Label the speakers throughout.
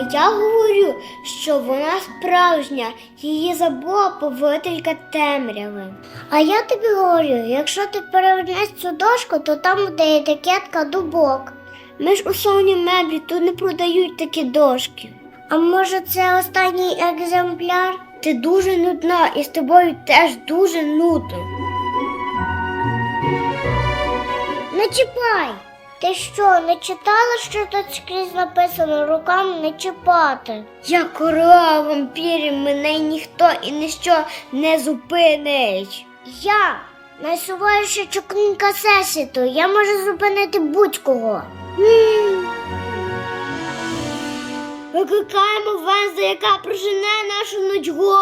Speaker 1: я говорю, що вона справжня, її забула повелителька темряви. А я тобі говорю, якщо ти перевернеш цю дошку, то там буде етикетка дубок. Ми ж у салоні меблі тут не продають такі дошки. А може це останній екземпляр? Ти дуже нудна і з тобою теж дуже нудно. Не чіпай! Ти що, не читала, що тут скрізь написано руками не чіпати? Я королева вампірів, мене ніхто і ніщо не зупинить. Я найсувайша чокнинка всесвіту, я можу зупинити будь-кого. Викликаємо Венздей, яка прожене нашу нудьгу.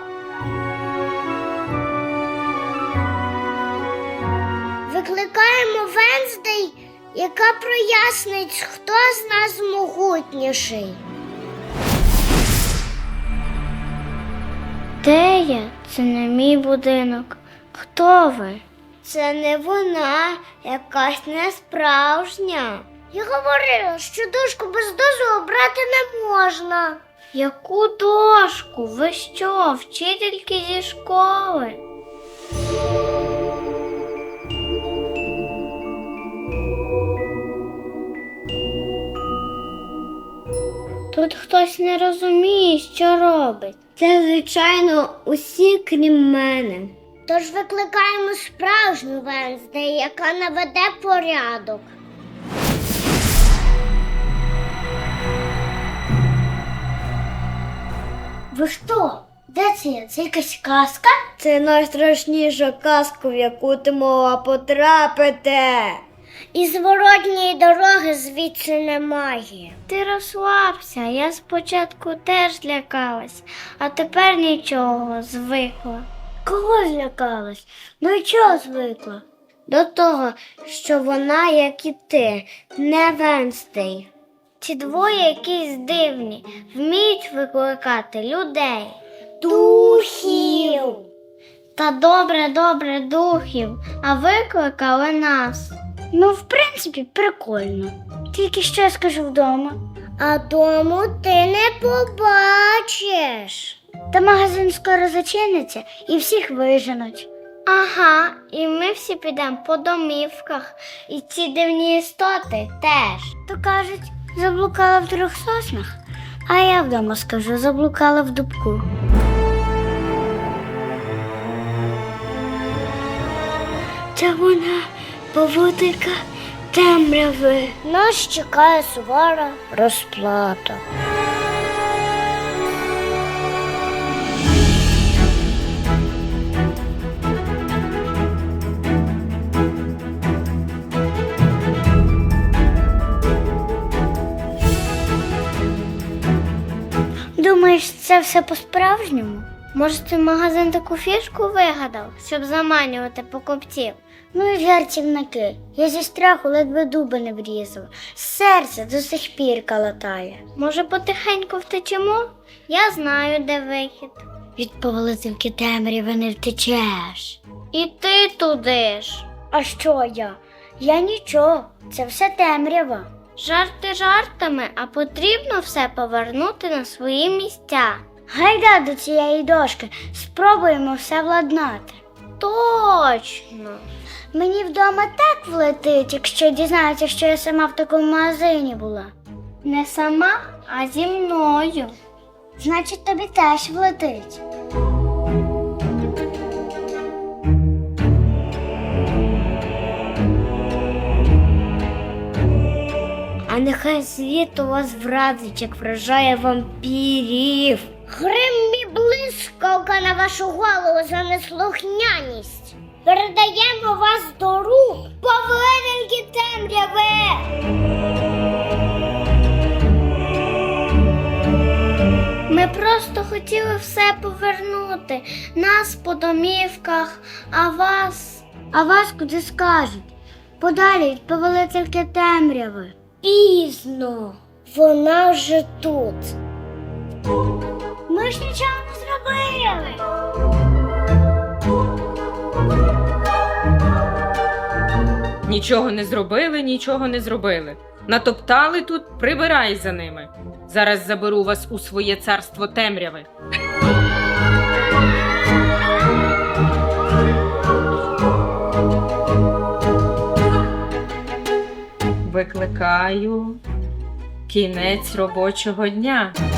Speaker 1: Викликаємо Венздей, яка прояснить, хто з нас могутніший. Де я? Це не мій будинок. Хто ви? Це не вона, якась несправжня. Я говорила, що дошку без дозволу брати не можна. Яку дошку? Ви що, вчительки зі школи? Тут хтось не розуміє, що робить. Це, звичайно, усі, крім мене. Тож викликаємо справжню Венздей, яка наведе порядок. Ви що? Де це я? Це якась казка? Це найстрашніша казка, в яку ти могла потрапити. І зворотньої дороги звідси немає. Ти розслабся, я спочатку теж лякалась, а тепер нічого, звикла. Кого злякалась? Ну і чого звикла? До того, що вона, як і ти, не Венздей. Ці двоє якісь дивні, вміють викликати людей. Духів! Та добре, духів, а викликали нас. Ну, в принципі, прикольно. Тільки що я скажу вдома. А дому ти не побачиш. Та магазин скоро зачиниться і всіх виженуть. Ага, і ми всі підемо по домівках, і ці дивні істоти теж. То кажуть, заблукала в 3 соснах, а я вдома скажу, заблукала в дубку. Це вона, поводирка темряви. Нас чекає сувора розплата. Думаєш, це все по-справжньому? Може, цей магазин таку фішку вигадав, щоб заманювати покупців? Ну і жартівники. Я зі страху ледве дуби не врізала. Серце до сих пір калатає. Може, потихеньку втечемо? Я знаю, де вихід. Від повелительки темряви не втечеш. І ти туди ж. А що я? Я нічого. Це все темрява. Жарти жартами, а потрібно все повернути на свої місця. Гайда до цієї дошки, спробуємо все владнати. Точно. Мені вдома так влетить, якщо дізнаються, що я сама в такому магазині була. Не сама, а зі мною. Значить, тобі теж влетить. А нехай світ у вас вразить, як вражає вампірів. Грим і блискавка на вашу голову за неслухняність. Передаємо вас до рук повелительки темряви. Ми просто хотіли все повернути. Нас по домівках, а вас... А вас куди скажуть? Подалі від повелительки темряви. Пізно. Вона вже тут. Ми ж нічого не зробили.
Speaker 2: Нічого не зробили, нічого не зробили. Натоптали тут, прибирай за ними. Зараз заберу вас у своє царство темряви. Викликаю кінець робочого дня.